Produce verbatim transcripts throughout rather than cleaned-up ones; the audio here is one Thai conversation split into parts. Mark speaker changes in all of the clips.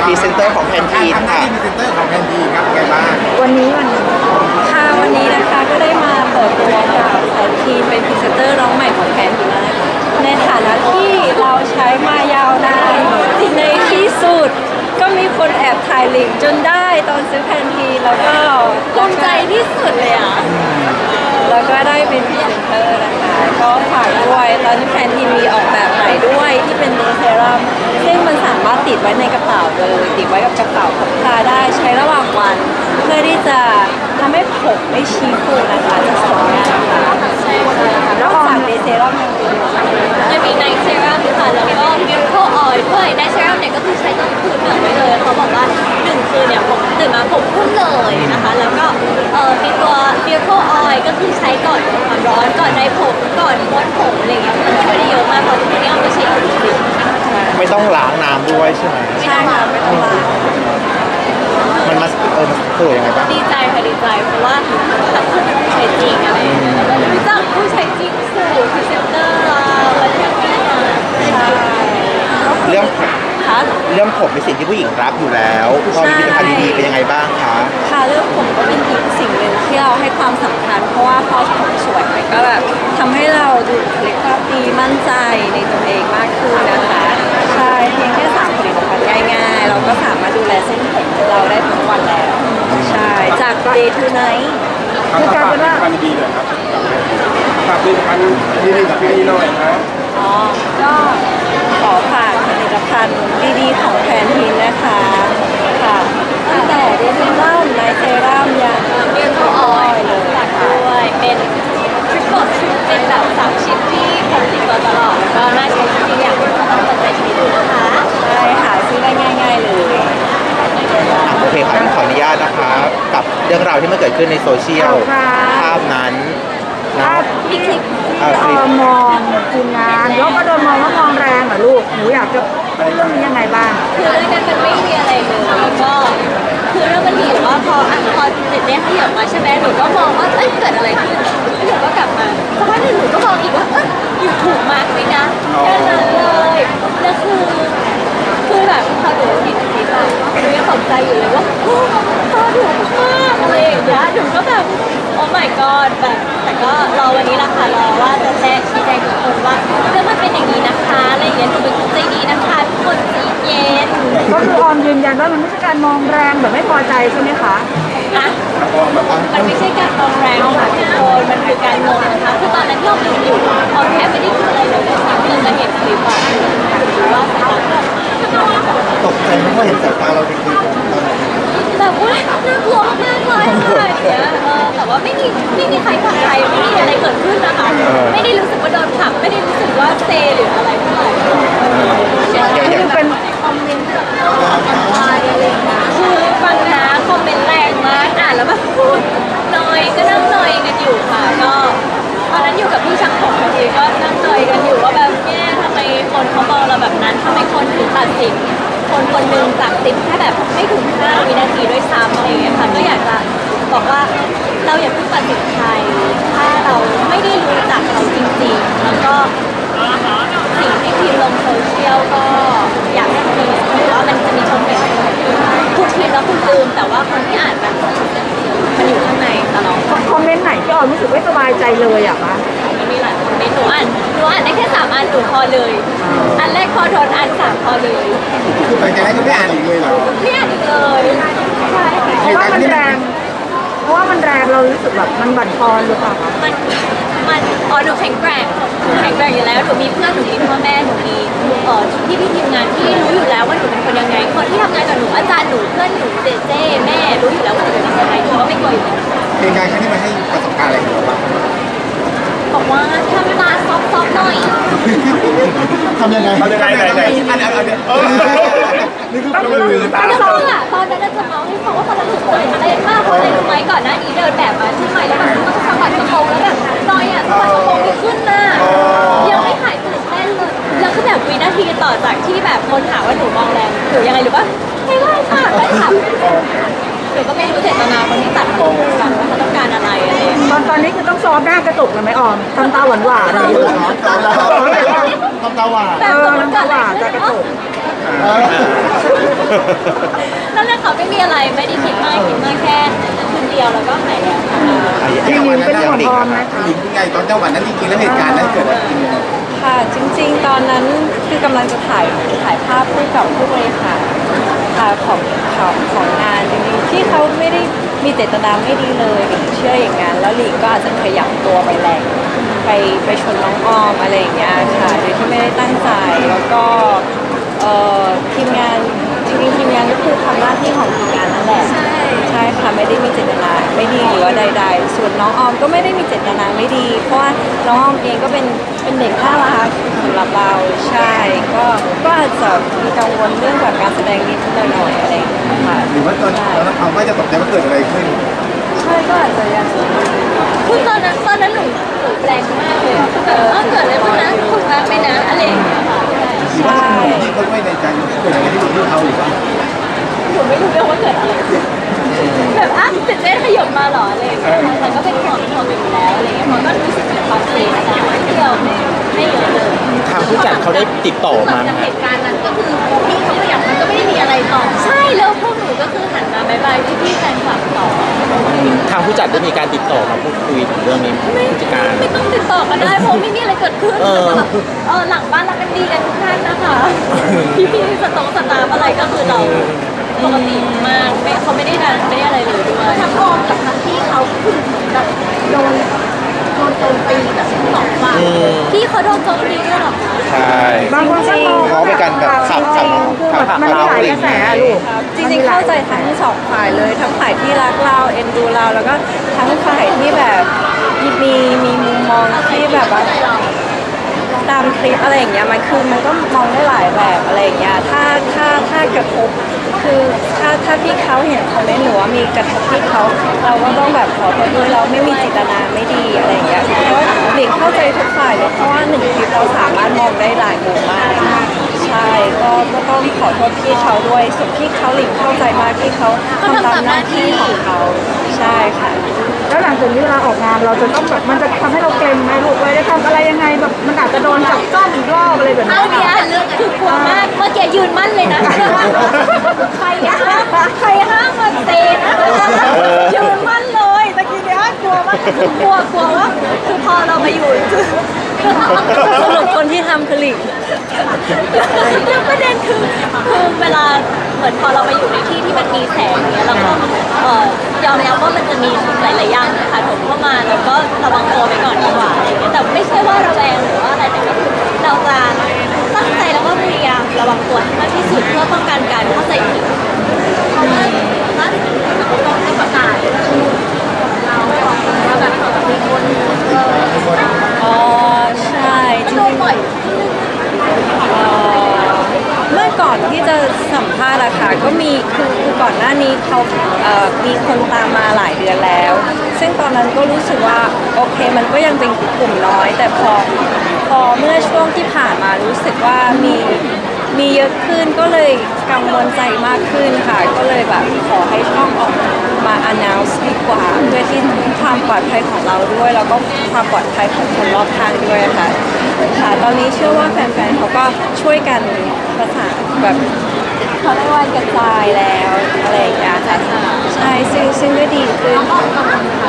Speaker 1: พรีเซนเตอร์ของแพนทีน
Speaker 2: ทำหน้า
Speaker 1: ค่ะ
Speaker 2: ที่พรีเซนเตอร์ของแพนทีนครับไงบ้าง
Speaker 3: วันนี้วันนี้ค่ะวันนี้นะคะก็ได้มาเปิดตัวกับแพนทีนเป็นพรีเซนเตอร์น้องใหม่ของแพนทีนนะคะในฐานะที่เราใช้มายาวนานในที่สุดก็มีคนแอบถ่ายลิงก์จนได้ตอนซื้อแพนทีนแล้วก็ภูมิใจที่สุดเลยอ่ะแล้วก็ได้เป็นพรีเซนเตอร์นะคะก็ฝากด้วยตอนนี้แพนทีนมีออกแบบใหม่ด้วยที่เป็นเนื้อเซรั่มซึ่งมันสามารถติดไว้ในกระเป๋าเลยติดไว้กับกระเป๋าพกพาได้ใช้ระหว่างวันเพื่อที่จะทำให้ผมไม่ชี้ฟูนะคะจะสวยงามค่ะใช่ค่ะแล้วฝากเดย์เซรั่มยังมีจะมีไนท์เซรั่มค่ะแล้วก็มิราเคิลออยล์ด้วยไนท์เซรั่มเนี่ยก็คือใช้ตอนคืนเหมือนไว้เลยเขาบอกว่าหนึ่งคืนเนี่ยผมตื่นมาผมพุ่งเลยนะคะแล้วก็เอ่อมีตัวมิราเคิลออยล์ก็คือใช้ก่อนความร้อนก่อนในผมก่อนม้วนผมอะไรอย่างเงี้ยมันช่วยได้เยอะมากเพราะทุกวันนี้เอาไปใช้กับผิว
Speaker 1: ไม่ต้องล้างน้ำด้วยใช่ไหม
Speaker 3: ใช่ค่ะไม่ต้องล้าง
Speaker 1: มันมาเออมันสวยยังไงบ้าง
Speaker 3: ดีใจค่ะดีใจเพราะว่าแบบคือเป็นผู้ใช้จริงอะไรอย่างเงี้ยแล้วรู้จักผู้ใช้จริงสู่พรีเซนเตอร์เราแล้วก็แม่ใช่
Speaker 1: เรื่อง
Speaker 3: ค่ะ
Speaker 1: เรื่องผมเป็นสิ่งที่ผู้หญิงรักอยู่แล้วพอมีผลิตภัณฑ์ดีๆเป็นยังไงบ้างคะ
Speaker 3: ค่ะเรื่องผมก็เป็นอีกสิ่งหนึ่งที่เราให้ความสำคัญเพราะว่าพอผมสวยมันก็แบบทำให้เราดูบุคลิกภาพดีมั่นใจในตัวเองมากขึ้นนะคะใช่เพียงแค่สามผลิตภัณฑ์ง่ายๆเราก็สามารถดูแลเส้นผมของเราได้ทั้งวันแล้วใช่จาก day to night
Speaker 2: คือกลายเป็นว่าผลิตภัณฑ์ดีเลยครับฝากผลิตภัณฑ์ดีๆกับพี่หน่อยครับ
Speaker 3: อ๋อก็ขอฝากผลิตภัณฑ์ดีๆของแพนทีนนะคะค่ะตั้งแต่เดย์เซรั่มไนท์เซรั่มยันเรียนก็ออยเลยฝากด้วยเป็นทริปเปิลทริปเป็นแบบสามชิ้นที่ผมติดตัวตลอดแล้วก็น่าใช้จริงๆอยากให้ทุกคนเปิดใจใช้ดูนะคะใช่ค่ะซื้อได้ง่ายๆเลย
Speaker 1: อ่ะโอเคค่ะขออนุญาตนะคะกับเรื่องราวที่มันเกิดขึ้นในโซเชียลภาพนั้นนะ
Speaker 3: มีคลิป
Speaker 1: เอ่อค
Speaker 4: เอ
Speaker 1: ลิป
Speaker 4: อมองทีมงานแล้วก็โดนมองว่ามองแรงเหรอลูกหนูอยากจะพูดเรื่องนี้ยังไงบ้าง
Speaker 3: คือเรื่องนั้นมันไม่มีอะไรเลยแล้วก็คือเรื่องมันมีแต่ว่าพออ่ะพอเด็ดเนี่ยขยับมาใช่ไหมหนูก็มองว่าเอ้ยเกิดอะไรขึ้นแล้วหนูก็กลับมาสักพักหนึ่งหนูก็มองอีกว่าเอ้ยอยู่ถูกมากไหมนะแค่นั้นเลยแล้วคือคือแบบพอหนูเห็นคลิปอะหนูยังตกใจอยู่เลยว่าโอ้พอถูกมากอะไรอย่างเงี้ยหนูก็แบบโอ้ my god แบบแต่ก็รอวันนี้ละค่ะรอว่าจะแจ้งชี้แจงทุกคนว่าเรื่องมันเป็นอย่างนี้นะคะอะไรอย่างเงี้ยหนูเป็นคนใจดีนะคะทุกคนใจเย็น
Speaker 4: ก็คือออมยืนยันว่ามันไม่ใช่การมองแรงแบบไม่พอใจใช่ไหมคะ
Speaker 3: อะมันไม่ใช่การมองแรงค่ะทุกคนมันคือการงงนะคะคือตอนนั้นที่เราดูอยู่ออมแทบไม่ได้คิดอะไรเลยนะคะจนมาเห็นคลิปอะว่าสายตา
Speaker 1: ตกใจเพราะว่าเห็นสายตาเราในคลิปตอนนั้น
Speaker 3: แบบว่าน่ากลัวมากเลยอะไรอย่างเงี้ยเออแต่ว่าไม่มีไม่มีใครผลักใครไม่มีอะไรเกิดขึ้นนะคะไม่ได้รู้สึกว่าโดนผลักไม่ได้รู้สึกว่าเซหรืออะไรเท่าไหร่คือเป็นคอมเมนต์แบบอะไรอะไรอย่างเงี้ยคือฟังนะคอมเมนต์แรงมากอ่านแล้วแบบพูดนอยก็นั่งนอยกันอยู่ค่ะก็ตอนนั้นอยู่กับพี่ช่างผมพอดีก็นั่งนอยกันอยู่ว่าแบบแม่ทำไมคนเขามองเราแบบนั้นทำไมคนถึงตัดสินคนคนหนึ่งจากติดแค่แบบไม่ถึงห้าวินาทีด้วยซ้ำอะไรอย่างเงี้ยค่ะก็อยากจะบอกว่าเราอย่าเพิ่งตัดสินใครถ้าเราไม่ได้รู้จักเขาจริงๆแล้วก็สิ่งที่พิมพ์ลงโซเชียลก็อยากให้ทีถือว่ามันจะมีชมเมนต์ทุกทีแล้วคุณลืมแต่ว่าคนที่อ่านมันมันอยู่ข้างในตลอด
Speaker 4: คอมเมนต์ไหนที่ออมรู้สึกไม่สบายใจเลยอะคะ
Speaker 3: มันมีหลายคอมเมนต์หนูอ่านหนูอ่านได้แค่สามอันหนูพอเลย อันแรกพอโดนอันสามพอเลย
Speaker 2: คือหลังจากนั้นก็ไม่อ่านอีกเลยเหรอ
Speaker 3: ไม่อ่านอีกเลยใช่
Speaker 4: เพราะว่ามันแรงเพราะว่ามันแรงเรารู้สึกแบบมันบั่นทอนหรือเปล่าคะ
Speaker 3: มันมันอ๋อหนูแข็งแกร่งหนูแข็งแกร่งอยู่แล้วหนูมีเพื่อนหนูมีพ่อแม่หนูมีเอ่อพี่พี่ทีมงานที่รู้อยู่แล้วว่าหนูเป็นคนยังไงคนที่ทำงานกับหนูอาจารย์หนูเพื่อนหนูเจเจแม่รู้อยู่แล้วว่าหนูเป็นยังไงหนูก็ไม่กลัวอยู่แล้ว
Speaker 2: เหตุการณ์ครั้งนี้มันให้ประสบการณ์อะไรกับเราบ้าง
Speaker 3: บอกว่าทำตาซอฟๆหน่อย
Speaker 2: ทำยังไงทำยังไงไหนๆอันนี้อันนี้เออนี่คือมันคือ
Speaker 3: ต
Speaker 2: ตา
Speaker 3: อนนั้นอะตอนนั้นจะเมาให้ฟังว่าตอนนั้นหนูตื่นเต้นมากเพราะอะไรรู้ไหมก่อนหน้านี้เดินแบบมาที่ใหม่แล้วแบบต้องสะบัดกระโปรงแล้วแบบนอยอะสะบัดกระโปรงไม่ขึ้นน่ะยังไม่หายตื่นเต้นเลยแล้วคือแบบวินาทีต่อจากที่แบบคนถามว่าหนูมองแรงหนูยังไงหรือปะไม่ได้ค่ะไม่ค่ะหนูก็ไม่รู้เจตนาคนที่ตัดผมกันว่าเขาต้องการอะไรอะไรอย่างเงี้ย
Speaker 4: ตอนตอนนี้คือต้องซ้อมหน้ากระจกเลยไหมออมทำตาหวานหวานๆอะไรอย่างเงี้ย
Speaker 2: ตาเราทำตาหวาน
Speaker 3: แต่สมมติเกิดอะไรขึ้น
Speaker 4: เออน้ำตาหวานจะกระตุก
Speaker 2: เออ
Speaker 3: นั่นแหละค่ะไม่มีอะไรไม่ได้คิดมากคิดมากแค่คืนเดียวแล้วก็หายแล้วค่ะ
Speaker 1: อ่ะ
Speaker 4: จริงๆเป็นห่วงออมไหมคะ
Speaker 2: หญิงยังไงตอนจังหวะนั้นจริงๆแล้วเหตุการณ์นั้นเกิดอะไรขึ้น
Speaker 3: ค่ะจริงๆ ตอนนั้นคือกำลังจะถ่ายถ่ายภาพคู่กับผู้บริหารค่ะของของของงานจริงๆที่เขาไม่ได้มีเจตนาไม่ดีเลยหลิงเชื่ออย่างนั้นแล้วหลิงก็อาจจะขยับตัวไปแรงไปไปชนน้องออมอะไรอย่างเงี้ยค่ะโดยที่ไม่ได้ตั้งใจแล้วก็เอ่อทีมงานจริงๆทีมงานก็คือทำหน้าที่ของทีมงานนั่นแหละใช่ใช่ค่ะไม่ได้มีเจตนาไม่ดีหรือว่าใดๆส่วนน้องออมก็ไม่ได้มีเจตนาไม่ดี เพราะว่าน้องออมเองก็เป็นเป็นเด็กน่ารักสำหรับเราใช่ก็ก็อาจจะมีกังวลเรื่องแบบการแสดงนิดหน่อยๆอะไรอย่างเงี้ยค่ะ
Speaker 2: หรือว่าตอนตอนนั้นเขาไม่จะตกใจว่าเกิดอะไรขึ้น
Speaker 3: ใช่ก็อาจจะยังคือตอนนั้นตอนนั้นหนูหนูแรงมากเลยอะคือแบบเออเกิดอะไรขึ้นนะถูกรักไหมนะอะไรอย่างเงี้ยค่ะ
Speaker 2: หรือว่าที่เขาไม่ในใจเกิดอะไรที่ที่เขาหรือว่า
Speaker 3: หนูไม่รู้เรื่องว่าเกิดอะไรขึ้นแบบอ่ะตื่นเต้นขยบมาเหรออะไรอย่างเงี้ยแต่ก็เป็นห่วงห่วงอยู่แล้วอะไรอย่างเงี้ยมันก็รู้สึกถึงความเสี่ยงแต่ไม่เดียวไม่ไม่เยอะเลย
Speaker 1: ทางผู้จัดเขาได้ติดต่อมาไหม
Speaker 3: จาก
Speaker 1: ฮะ
Speaker 3: เหตุการณ์นั้นก็คือพี่เขาขยับมันก็ไม่ได้มีอะไรต่อใช่แล้วพวกหนูก็คือหันมาบายบายพี่พี่ๆแฟนคลับต่อ
Speaker 1: ทางผู้จัดได้มีการติดต่อมาพูดคุยถึงเรื่องนี้ไหมผู้จัดการ
Speaker 3: ไม่ต้องติดต่อกันได้เพราะไม่มีอะไรเกิดขึ้น
Speaker 1: เออ
Speaker 3: แบบเออหลังบ้านเรากันดีกันทุกท่านนะคะ พี่พี่ๆสตองสตาฟอะไรก็คือเราปกติมากไม่เขาไม่ได้ดันไม่ได้อะไรเลยด้วยทั้งออมกับทั้งพี่เขาคือแบบโดนโดนโจมตีแบบสองฝ่าย
Speaker 1: อืม
Speaker 3: พี่เขาโดนโจมตีด้วยเหรอคะ
Speaker 1: ใช่
Speaker 4: บางคนก็มอง
Speaker 1: เขาเป็นการแบบขับขับ
Speaker 4: คือ
Speaker 1: ขับ
Speaker 4: มันมีหลายกระแสอะลูก
Speaker 3: จริงๆเข้าใจทั้งสองฝ่ายเลยทั้งฝ่ายที่รักเราเอ็นดูเราแล้วก็ทั้งฝ่ายที่แบบมีมีมุมมองที่แบบว่า ตามคลิปอะไรอย่างเงี้ยมันคือมันก็มองได้หลายแบบอะไรอย่างเงี้ยถ้าถ้าถ้ากระทบคือถ้าถ้าพี่เขาเห็นคอมเมนต์หรือว่ามีกระทบที่เขาเราก็ต้องแบบขอโทษด้วยเราไม่มีเจตนาไม่ดีอะไรอย่างเงี้ยเพราะว่าหลิงเข้าใจทุกฝ่ายเลยเพราะว่าหนึ่งคลิปเราสามารถมองได้หลายมุมมากใช่ก็ก็ต้องขอโทษพี่เขาด้วยส่วนพี่เขาหลิงเข้าใจมากที่เขาทำตามหน้าที่ของเขาใช่ค่ะ
Speaker 4: แล้วหลังจากนี้เวลาออกงานเราจะต้องแบบมันจะทำให้เราเกรงไหมลูกว่าจะทำอะไรยังไงแบบมันอาจจะโดนจับจ้องอีกรอบอะไรแบบ
Speaker 3: เอา
Speaker 4: นี้
Speaker 3: เนี้ยคือกลัวมากเมื่อกี้ยืนมั่นเลยนะใครห้ามใครห้ามมาเตะนะยืนมั่นเลยตะกี้เนี้ยกลัวมากคือกลัวกลัวว่าคือพอเรามาอยู่สรุปคนที่ทำคือหลิงแล้วประเด็นคือคือเวลาเหมือนพอเรามาอยู่ในที่ที่มันมีแสงเนี้ยเราก็เอ่อยอมรับว่ามันจะมีหลายๆอย่างนะคะถมเข้ามาแล้วก็ระวังตัวไปก่อนดีกว่าอะไรอย่างเงี้ยแต่ไม่ใช่ว่าระแวงหรือว่าอะไรแต่ก็คือเราจะตั้งใจแล้วก็พยายามระวังตัวให้มากที่สุดเพื่อป้องกันการเข้าใจผิดเพราะว่าถ้าเราต้องให้ประกาศเราว่าแบบมีคนอ๋อใช่จริงๆบ่อยเมื่อก่อนที่จะสัมภาษณ์อะค่ะก็มีคือคือก่อนหน้านี้เขาเอ่อมีคนตามมาหลายเดือนแล้ว ซึ่งตอนนั้นก็รู้สึกว่าโอเคมันก็ยังเป็นกลุ่มน้อย แต่พอพอเมื่อช่วงที่ผ่านมารู้สึกว่ามีมีเยอะขึ้นก็เลยกังวลใจมากขึ้นค่ะ ก็เลยแบบขอให้ช่องออกมา announce ดีกว่าเพื่อที่ความปลอดภัยของเราด้วย แล้วก็ความปลอดภัยของคนรอบข้างด้วยค่ะค่ะตอนนี้เชื่อว่าแฟนๆเขาก็ช่วยกันประสานแบบเขาเรียกว่ากระจายแล้วอะไรอย่างเงี้ยค่ะใช่ซึ่งซึ่งก็ดีขึ้น
Speaker 2: น้องออม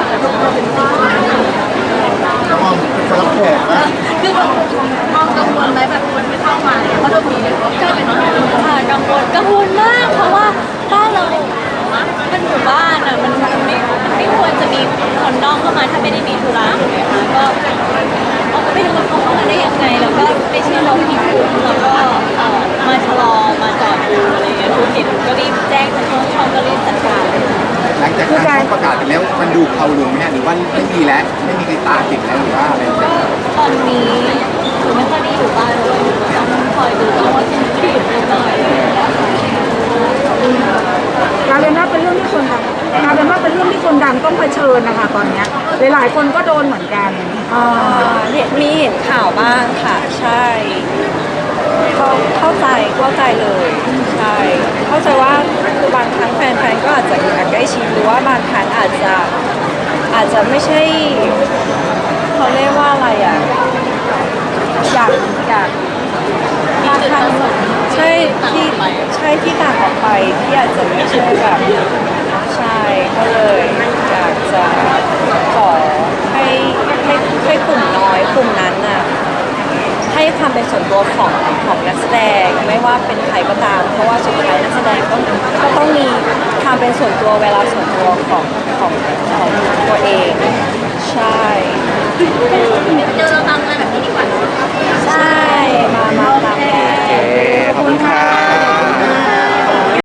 Speaker 2: สำหรับแขกนะ
Speaker 3: คือมองกังวลไหมแบบคนไม่เข้ามาเนี่ยเพราะเรามีก็ค่ะกังวลกังวลมากเพราะว่าบ้านเราเป็นหมู่บ้านอ่ะมันมันไม่มันไม่ควรจะมีคนนอกเข้ามาถ้าไม่ได้มีธุระถูกไหมคะก็เราก็ไม่รู้ว่าเขาเข้ามาได้ยังไงแล้วก็ไปเชื่อเราผิดกลุ่มแล้วก็เอ่อมาชะลอมาจอดดูอะไรเงี้ยทุกทีก็รีบแจ้งทางช่องช่องก็รีบจัดการ
Speaker 2: หลังจากการประกาศไปแล้วมันดูเขาลงไหมฮะหรือว่าไม่มีแล้วไม่มีใครตามติดแล้วหรือว่าอะไร
Speaker 3: ก็ตอนนี้หนูไม่ค่อยได้อยู่บ้านด้วยหนูก็ต้องคอยดูว่าจะมีผิดนิดหน่อย
Speaker 4: กลายเป็นว่าเป็นเรื่องที่คนดังกลายเป็นว่าเป็นเรื่องที่คนดังต้องเผชิญนะคะตอนเนี้ยหลายๆคนก็โดนเหมือนกัน
Speaker 3: อ่าเนี่ยมีเห็นข่าวบ้างค่ะ ใช่เข้าเข้าใจเข้าใจเลยใช่เข้าใจว่าคือบางครั้งแฟนๆก็อาจจะอยากใกล้ชิดอาจจะอาจจะไม่ใช่เขาเรียกว่าอะไรอ่ะอยากอยากถ้าทางใช่ที่ใช่ที่ต่างออกไปที่อาจจะไม่ใช่แบบใช่ก็เลยอยากจะขอให้ให้ให้กลุ่มน้อยกลุ่มนั้นน่ะให้ความเป็นส่วนตัวของของนักแสดงไม่ว่าเป็นใครก็ตาม เพราะว่าสุดท้ายนักแสดงก็ก็ต้องมีความเป็นส่วนตัวเวลาส่วนตัวของของของตัวเองใช่ก็